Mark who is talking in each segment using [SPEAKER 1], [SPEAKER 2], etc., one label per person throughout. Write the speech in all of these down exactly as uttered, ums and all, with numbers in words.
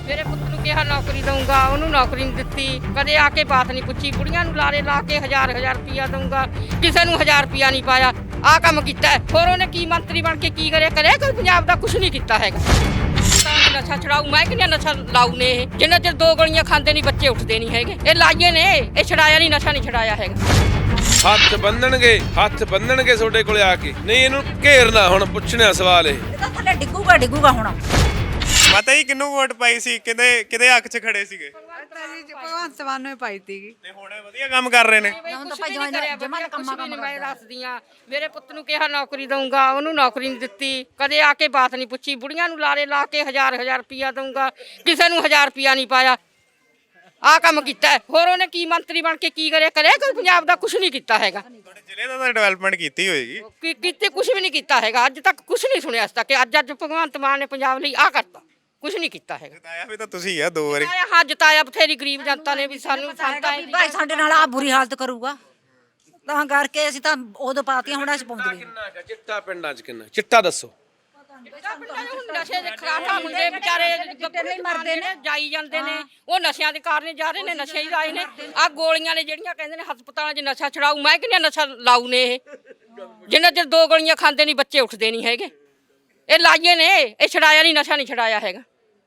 [SPEAKER 1] ਮੇਰੇ ਪੁੱਤ ਨੂੰ ਕਿਹਾ ਨੌਕਰੀ ਦਊਂਗਾ, ਉਹਨੂੰ ਨੌਕਰੀ ਨਹੀਂ ਦਿੱਤੀ। ਕਦੇ ਆ ਕੇ ਬਾਤ ਨਹੀਂ ਪੁੱਛੀ। ਬੁੜੀਆਂ ਨੂੰ ਲਾਰੇ ਲਾ ਕੇ ਹਜ਼ਾਰ ਹਜ਼ਾਰ ਰੁਪਈਆ ਦਊਂਗਾ, ਕਿਸੇ ਨੂੰ ਹਜ਼ਾਰ ਰੁਪਈਆ ਨਹੀਂ ਪਾਇਆ। ਆਹ ਕੰਮ ਕੀਤਾ ਹੈ। ਹੋਰ ਉਹਨੇ ਕੀ ਮੰਤਰੀ ਬਣ ਕੇ ਕੀ ਕਰਿਆ? ਕਰਿਆ ਕੋਈ ਪੰਜਾਬ ਦਾ ਕੁਝ ਨਹੀਂ ਕੀਤਾ ਹੈਗਾ। ਤਾਂ ਨਸ਼ਾ ਛਡਾਊ ਮੈਂ ਕਿੰਨਾ ਨਸ਼ਾ ਲਾਊ ਨੇ ਇਹ, ਜਿੰਨਾ ਚਿਰ ਦੋ ਗੋਲੀਆਂ ਖਾਂਦੇ ਨਹੀਂ ਬੱਚੇ ਉੱਠਦੇ ਨਹੀਂ ਹੈਗੇ। ਇਹ ਲਾਈਏ ਨੇ, ਇਹ ਛਡਾਇਆ ਨਹੀਂ, ਨਸ਼ਾ ਨਹੀਂ ਛਡਾਇਆ ਹੈਗਾ।
[SPEAKER 2] ਹੱਥ ਬੰਨਣਗੇ ਹੱਥ ਬੰਨਣਗੇ ਤੁਹਾਡੇ ਕੋਲੇ ਆ ਕੇ। ਨਹੀਂ ਇਹਨੂੰ ਘੇਰਨਾ ਹੁਣ, ਪੁੱਛਣਾ ਸਵਾਲ ਇਹ।
[SPEAKER 3] ਇਹ ਤਾਂ ਥੱਲੇ ਡਿੱਗੂਗਾ ਡਿੱਗੂਗਾ ਹੁਣ।
[SPEAKER 4] ਪਤਾ ਹੀ ਕਿਹਨੂੰ ਵੋਟ ਪਾਈ ਸੀ, ਕਿਹਦੇ ਕਿਹਦੇ ਹੱਕ 'ਚ ਖੜੇ ਸੀਗੇ
[SPEAKER 5] ਭਗਵੰਤ ਮਾਨ ਨੂੰ ਹੀ ਪਾਈ ਸੀਗੀ।
[SPEAKER 4] ਤੇ ਹੁਣ ਇਹ ਵਧੀਆ ਕੰਮ ਕਰ ਰਹੇ ਨੇ।
[SPEAKER 3] ਹੁਣ ਤਾਂ ਭਾਈ ਜਮਾਂ ਜਮਾਂ ਦਾ ਕੰਮਾਂ ਕੰਮ
[SPEAKER 1] ਮੈਂ ਦੱਸਦੀ ਆ। ਮੇਰੇ ਪੁੱਤ ਨੂੰ ਕਿਹਾ ਨੌਕਰੀ ਦਊਂਗਾ, ਉਹਨੂੰ ਨੌਕਰੀ ਨਹੀਂ ਦਿੱਤੀ। ਕਦੇ ਆ ਕੇ ਬਾਤ ਨਹੀਂ ਪੁੱਛੀ। ਬੁੜੀਆਂ ਨੂੰ ਲਾਰੇ ਲਾ ਕੇ ਹਜ਼ਾਰ ਹਜ਼ਾਰ ਰੁਪਈਆ ਦਊਂਗਾ, ਕਿਸੇ ਨੂੰ ਹਜ਼ਾਰ ਰੁਪਈਆ ਨਹੀਂ ਪਾਇਆ। ਆਹ ਕੰਮ ਕੀਤਾ ਹੈ। ਹੋਰ ਉਹਨੇ ਕੀ ਮੰਤਰੀ ਬਣ ਕੇ ਕੀ ਕਰਿਆ? ਕਰਿਆ ਕੋਈ ਪੰਜਾਬ ਦਾ ਕੁਝ ਨਹੀਂ ਕੀਤਾ ਹੈਗਾ।
[SPEAKER 4] ਤੁਹਾਡੇ ਜ਼ਿਲ੍ਹੇ ਦਾ ਤਾਂ ਡਿਵੈਲਪਮੈਂਟ ਕੀਤੀ ਹੋਏਗੀ।
[SPEAKER 1] ਕੀ ਕੀਤੇ ਕੁਝ ਵੀ ਨਹੀਂ ਕੀਤਾ ਹੈਗਾ। ਅੱਜ ਤੱਕ ਕੁਝ ਨਹੀਂ ਸੁਣਿਆ। ਅੱਜ ਤੱਕ ਅੱਜ ਅੱਜ ਭਗਵੰਤ ਮਾਨ ਨੇ ਪੰਜਾਬ ਲਈ ਆਹ ਕਰਤਾ, ਕੁਝ ਨਹੀਂ ਕੀਤਾ ਹੈਗਾ।
[SPEAKER 4] ਜਿਤਾਇਆ ਵੀ ਤਾਂ ਤੁਸੀਂ ਆ ਦੋ ਵਾਰੀ।
[SPEAKER 1] ਆਇਆ ਹਾਂ ਜਿਤਾਇਆ ਬਥੇਰੀ ਗਰੀਬ ਜਨਤਾ ਨੇ ਵੀ ਸਾਨੂੰ ਸੰਤਾਂ
[SPEAKER 3] ਭਾਈ ਸਾਡੇ ਨਾਲ ਆ ਬੁਰੀ ਹਾਲਤ ਕਰੂਗਾ, ਤਾਂ ਕਰਕੇ ਅਸੀਂ ਤਾਂ ਉਦੋਂ ਪਾਤੀਆਂ, ਹੁਣ ਅਸੀਂ ਪਾਉਂਦੇ ਨਹੀਂ।
[SPEAKER 2] ਕਿੰਨਾ ਕੁ ਚਿੱਟਾ ਪਿੰਡਾਂ 'ਚ ਕਿੰਨਾ ਚਿੱਟਾ ਦੱਸੋ?
[SPEAKER 1] ਨਸ਼ੇ ਦੇ ਖਰਾਟਾ ਮੁੰਡੇ ਵਿਚਾਰੇ ਨਹੀਂ ਮਰਦੇ ਨੇ, ਜਾਈ ਜਾਂਦੇ ਨੇ। ਉਹ ਨਸ਼ਿਆਂ ਦੇ ਕਾਰਨ ਜਾ ਰਹੇ ਨੇ, ਨਸ਼ੇ ਹੀ ਲਾਏ ਨੇ। ਆ ਗੋਲੀਆਂ ਨੇ ਜਿਹੜੀਆਂ ਕਹਿੰਦੇ ਨੇ ਹਸਪਤਾਲਾਂ 'ਚ ਨਸ਼ਾ ਛਡਾਊ ਮੈਂ ਕਿੰਨਾ ਨਸ਼ਾ ਲਾਊ ਨੇ ਇਹ, ਜਿੰਨਾ ਚਿਰ ਦੋ ਗੋਲੀਆਂ ਖਾਂਦੇ ਨਹੀਂ ਬੱਚੇ ਉੱਠਦੇ ਨਹੀਂ ਹੈਗੇ। ਇਹ ਲਾਈਏ ਨੇ, ਇਹ ਛਡਾਇਆ ਨਹੀਂ, ਨਸ਼ਾ ਨਹੀਂ ਛਡਾਇਆ ਹੈਗਾ।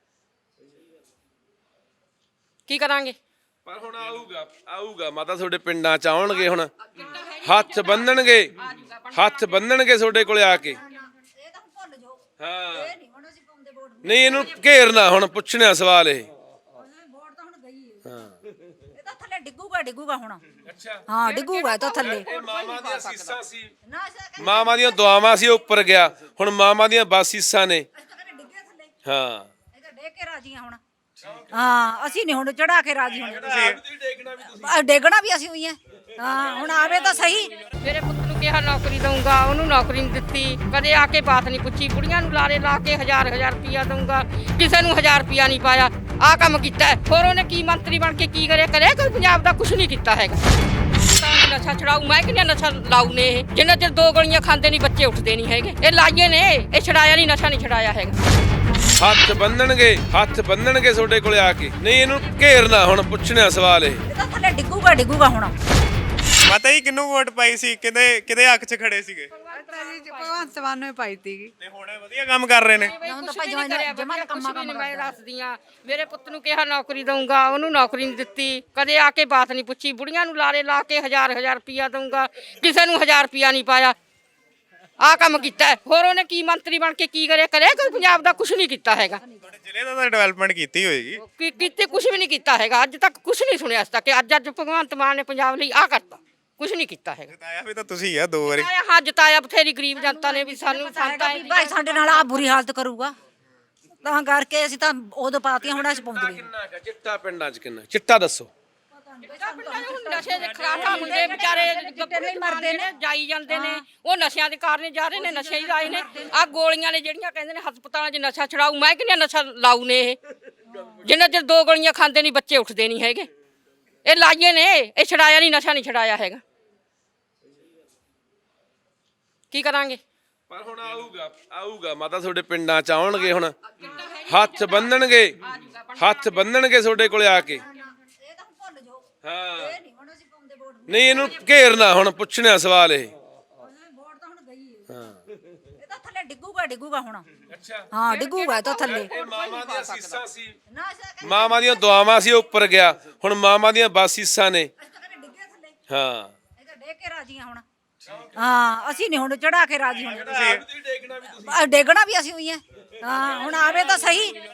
[SPEAKER 1] ਕੀ ਕਰਾਂਗੇ?
[SPEAKER 2] ਪਰ ਹੁਣ ਆਊਗਾ ਆਊਗਾ ਮਾਤਾ ਤੁਹਾਡੇ ਪਿੰਡਾਂ 'ਚ ਆਉਣਗੇ ਹੁਣ। ਹੱਥ ਬੰਨਣਗੇ ਹੱਥ ਬੰਨਣਗੇ ਤੁਹਾਡੇ ਕੋਲੇ ਆ ਕੇ। ਹਾਂ ਨਹੀਂ ਇਹਨੂੰ ਘੇਰਨਾ ਹੁਣ, ਪੁੱਛਣਾ ਸਵਾਲ ਇਹ।
[SPEAKER 3] ਇਹ ਤਾਂ ਥੱਲੇ ਡਿੱਗੂਗਾ ਡਿੱਗੂਗਾ ਹੁਣ।
[SPEAKER 2] ਅੱਛਾ
[SPEAKER 3] ਹਾਂ ਡਿੱਗੂਗਾ ਇਹ ਤਾਂ ਥੱਲੇ।
[SPEAKER 2] ਇਹ ਮਾਮਾ ਦੀਆਂ ਸੀਸਾਂ ਸੀ, ਮਾਮਾ ਦੀਆਂ ਦੁਆਵਾਂ ਸੀ, ਉੱਪਰ ਗਿਆ। ਹੁਣ ਮਾਮਾ ਦੀਆਂ ਬਾਸੀਸਾਂ ਨੇ। ਹਾਂ
[SPEAKER 3] ਇਹ ਤਾਂ ਡੇਗ ਕੇ ਰਾਜੀ ਆ ਹੁਣ। ਹਾਂ ਅਸੀਂ ਨਹੀਂ ਹੁਣ ਚੜਾ ਕੇ ਰਾਜੀ ਹੁਣ। ਆ ਡੇਗਣਾ ਵੀ ਅਸੀਂ ਹੋਈ ਆ। ਹਾਂ ਹੁਣ ਆਵੇ ਤਾਂ ਸਹੀ।
[SPEAKER 1] ਮੇਰੇ ਪੁੱਤ ਨੂੰ ਕਿਹਾ ਨੌਕਰੀ ਦਊਂਗਾ, ਉਹਨੂੰ ਨੌਕਰੀ ਨਹੀਂ ਦਿੱਤੀ। ਕਦੇ ਆ ਕੇ ਬਾਤ ਨਹੀਂ ਪੁੱਛੀ। ਬੁੜੀਆਂ ਨੂੰ ਲਾਰੇ ਲਾ ਕੇ ਹਜ਼ਾਰ ਹਜ਼ਾਰ ਰੁਪਈਆ ਦਊਂਗਾ, ਕਿਸੇ ਨੂੰ ਹਜ਼ਾਰ ਰੁਪਈਆ ਨਹੀਂ ਪਾਇਆ। ਆਹ ਕੰਮ ਕੀਤਾ ਹੈ। ਹੋਰ ਉਹਨੇ ਕੀ ਮੰਤਰੀ ਬਣ ਕੇ ਕੀ ਕਰਿਆ? ਕਰਿਆ ਕੋਈ ਪੰਜਾਬ ਦਾ ਕੁਝ ਨਹੀਂ ਕੀਤਾ ਹੈਗਾ। ਤਾਂ ਨਸ਼ਾ ਛਡਾਊ ਮੈਂ ਕਿੰਨਾ ਨਸ਼ਾ ਲਾਊ ਨੇ ਇਹ, ਜਿੰਨਾ ਚਿਰ ਦੋ ਗੋਲੀਆਂ ਖਾਂਦੇ ਨਹੀਂ ਬੱਚੇ ਉੱਠਦੇ ਨਹੀਂ ਹੈਗੇ। ਇਹ ਲਾਈਏ ਨੇ, ਇਹ ਛਡਾਇਆ ਨਹੀਂ, ਨਸ਼ਾ ਨਹੀਂ ਛਡਾਇਆ ਹੈਗਾ।
[SPEAKER 2] ਹੱਥ ਬੰਨਣਗੇ ਹੱਥ ਬੰਨਣਗੇ ਤੁਹਾਡੇ ਕੋਲੇ ਆ ਕੇ। ਨਹੀਂ ਇਹਨੂੰ ਘੇਰਨਾ ਹੁਣ, ਪੁੱਛਣਾ ਸਵਾਲ ਇਹ।
[SPEAKER 3] ਇਹ ਤਾਂ ਥੱਲੇ ਡਿੱਗੂਗਾ ਡਿੱਗੂਗਾ ਹੁਣ।
[SPEAKER 4] ਪਤਾ ਹੀ ਕਿਹਨੂੰ ਵੋਟ ਪਾਈ ਸੀ, ਕਿਹਦੇ ਕਿਹਦੇ ਹੱਕ 'ਚ ਖੜੇ ਸੀਗੇ
[SPEAKER 5] ਭਗਵੰਤ ਮਾਨ ਨੂੰ ਹੀ ਪਾਈ ਸੀਗੀ।
[SPEAKER 4] ਤੇ ਹੁਣ ਇਹ ਵਧੀਆ ਕੰਮ ਕਰ ਰਹੇ ਨੇ।
[SPEAKER 3] ਹੁਣ ਤਾਂ ਭਾਈ ਜਮਾਂ ਜਮਾਂ ਦਾ ਕੰਮਾਂ ਕੰਮ
[SPEAKER 1] ਮੈਂ ਦੱਸਦੀ ਆ। ਮੇਰੇ ਪੁੱਤ ਨੂੰ ਕਿਹਾ ਨੌਕਰੀ ਦਊਂਗਾ, ਉਹਨੂੰ ਨੌਕਰੀ ਨਹੀਂ ਦਿੱਤੀ। ਕਦੇ ਆ ਕੇ ਬਾਤ ਨਹੀਂ ਪੁੱਛੀ। ਬੁੜੀਆਂ ਨੂੰ ਲਾਰੇ ਲਾ ਕੇ ਹਜ਼ਾਰ ਹਜ਼ਾਰ ਰੁਪਈਆ ਦਊਂਗਾ, ਕਿਸੇ ਨੂੰ ਹਜ਼ਾਰ ਰੁਪਈਆ ਨਹੀਂ ਪਾਇਆ। ਆਹ ਕੰਮ ਕੀਤਾ ਹੈ। ਹੋਰ ਉਹਨੇ ਕੀ ਮੰਤਰੀ ਬਣ ਕੇ ਕੀ ਕਰਿਆ? ਕਰਿਆ ਕੋਈ ਪੰਜਾਬ ਦਾ ਕੁਝ ਨਹੀਂ ਕੀਤਾ ਹੈਗਾ।
[SPEAKER 4] ਤੁਹਾਡੇ ਜ਼ਿਲ੍ਹੇ ਦਾ ਤਾਂ ਡਿਵੈਲਪਮੈਂਟ ਕੀਤੀ ਹੋਏਗੀ।
[SPEAKER 1] ਕੀ ਕੀਤੇ ਕੁਝ ਵੀ ਨਹੀਂ ਕੀਤਾ ਹੈਗਾ। ਅੱਜ ਤੱਕ ਕੁਝ ਨਹੀਂ ਸੁਣਿਆ। ਅੱਜ ਤੱਕ ਅੱਜ ਅੱਜ ਭਗਵੰਤ ਮਾਨ ਨੇ ਪੰਜਾਬ ਲਈ ਆਹ ਕਰਤਾ, ਕੁਝ ਨਹੀਂ ਕੀਤਾ ਹੈਗਾ।
[SPEAKER 4] ਜਿਤਾਇਆ ਵੀ ਤਾਂ ਤੁਸੀਂ ਆ ਦੋ ਵਾਰੀ।
[SPEAKER 1] ਆਇਆ ਹਾਂ ਜਿਤਾਇਆ ਬਥੇਰੀ ਗਰੀਬ ਜਨਤਾ ਨੇ ਵੀ ਸਾਨੂੰ ਸੰਤਾਂ
[SPEAKER 3] ਭਾਈ ਸਾਡੇ ਨਾਲ ਆ ਬੁਰੀ ਹਾਲਤ ਕਰੂਗਾ, ਤਾਂ ਕਰਕੇ ਅਸੀਂ ਤਾਂ ਉਦੋਂ ਪਾਤੀਆਂ, ਹੁਣ ਅਸੀਂ ਪਾਉਂਦੇ ਨਹੀਂ।
[SPEAKER 2] ਕਿੰਨਾ ਕੁ ਚਿੱਟਾ ਪਿੰਡਾਂ 'ਚ ਕਿੰਨਾ ਚਿੱਟਾ ਦੱਸੋ?
[SPEAKER 1] ਨਸ਼ੇ ਦੇ ਖਰਾਟਾ ਮੁੰਡੇ ਵਿਚਾਰੇ ਨਹੀਂ ਮਰਦੇ ਨੇ, ਜਾਈ ਜਾਂਦੇ ਨੇ। ਉਹ ਨਸ਼ਿਆਂ ਦੇ ਕਾਰਨ ਜਾ ਰਹੇ ਨੇ, ਨਸ਼ੇ ਹੀ ਲਾਏ ਨੇ। ਆ ਗੋਲੀਆਂ ਨੇ ਜਿਹੜੀਆਂ ਕਹਿੰਦੇ ਨੇ ਹਸਪਤਾਲਾਂ 'ਚ ਨਸ਼ਾ ਛਡਾਊ ਮੈਂ ਕਿੰਨਾ ਨਸ਼ਾ ਲਾਊ ਨੇ ਇਹ, ਜਿੰਨਾ ਚਿਰ ਦੋ ਗੋਲੀਆਂ ਖਾਂਦੇ ਨਹੀਂ ਬੱਚੇ ਉੱਠਦੇ ਨਹੀਂ ਹੈਗੇ। ਇਹ ਲਾਈਏ ਨੇ, ਇਹ ਛਡਾਇਆ ਨਹੀਂ, ਨਸ਼ਾ ਨਹੀਂ ਛਡਾਇਆ ਹੈਗਾ। ਕੀ ਕਰਾਂਗੇ?
[SPEAKER 2] ਪਰ ਹੁਣ ਆਊਗਾ ਆਊਗਾ ਮਾਤਾ ਤੁਹਾਡੇ ਪਿੰਡਾਂ 'ਚ ਆਉਣਗੇ ਹੁਣ। ਹੱਥ ਬੰਨਣਗੇ ਹੱਥ ਬੰਨਣਗੇ ਤੁਹਾਡੇ ਕੋਲੇ ਆ ਕੇ। ਹਾਂ ਨਹੀਂ ਇਹਨੂੰ ਘੇਰਨਾ ਹੁਣ, ਪੁੱਛਣਾ ਸਵਾਲ ਇਹ।
[SPEAKER 3] ਹਾਂ ਇਹ ਤਾਂ ਥੱਲੇ ਡਿੱਗੂਗਾ ਡਿੱਗੂਗਾ ਹੁਣ।
[SPEAKER 2] ਅੱਛਾ
[SPEAKER 3] ਹਾਂ ਡਿੱਗੂਗਾ ਇਹ ਤਾਂ ਥੱਲੇ।
[SPEAKER 2] ਇਹ ਮਾਮਾ ਦੀਆਂ ਸੀਸਾਂ ਸੀ, ਮਾਮਾ ਦੀਆਂ ਦੁਆਵਾਂ ਸੀ, ਉੱਪਰ ਗਿਆ। ਹੁਣ ਮਾਮਾ ਦੀਆਂ ਬਾਸੀਸਾਂ ਨੇ। ਹਾਂ
[SPEAKER 3] ਇਹ ਤਾਂ ਡੇਗ ਕੇ ਰਾਜੀ ਆ ਹੁਣ। ਹਾਂ ਅਸੀਂ ਨਹੀਂ ਹੁਣ ਚੜਾ ਕੇ ਰਾਜੀ ਹੁਣ।
[SPEAKER 2] ਡੇਗਣਾ ਵੀ ਤੁਸੀਂ।
[SPEAKER 3] ਆ ਡੇਗਣਾ ਵੀ ਅਸੀਂ ਹੋਈ ਆ। ਹਾਂ ਹੁਣ ਆਵੇ ਤਾਂ ਸਹੀ।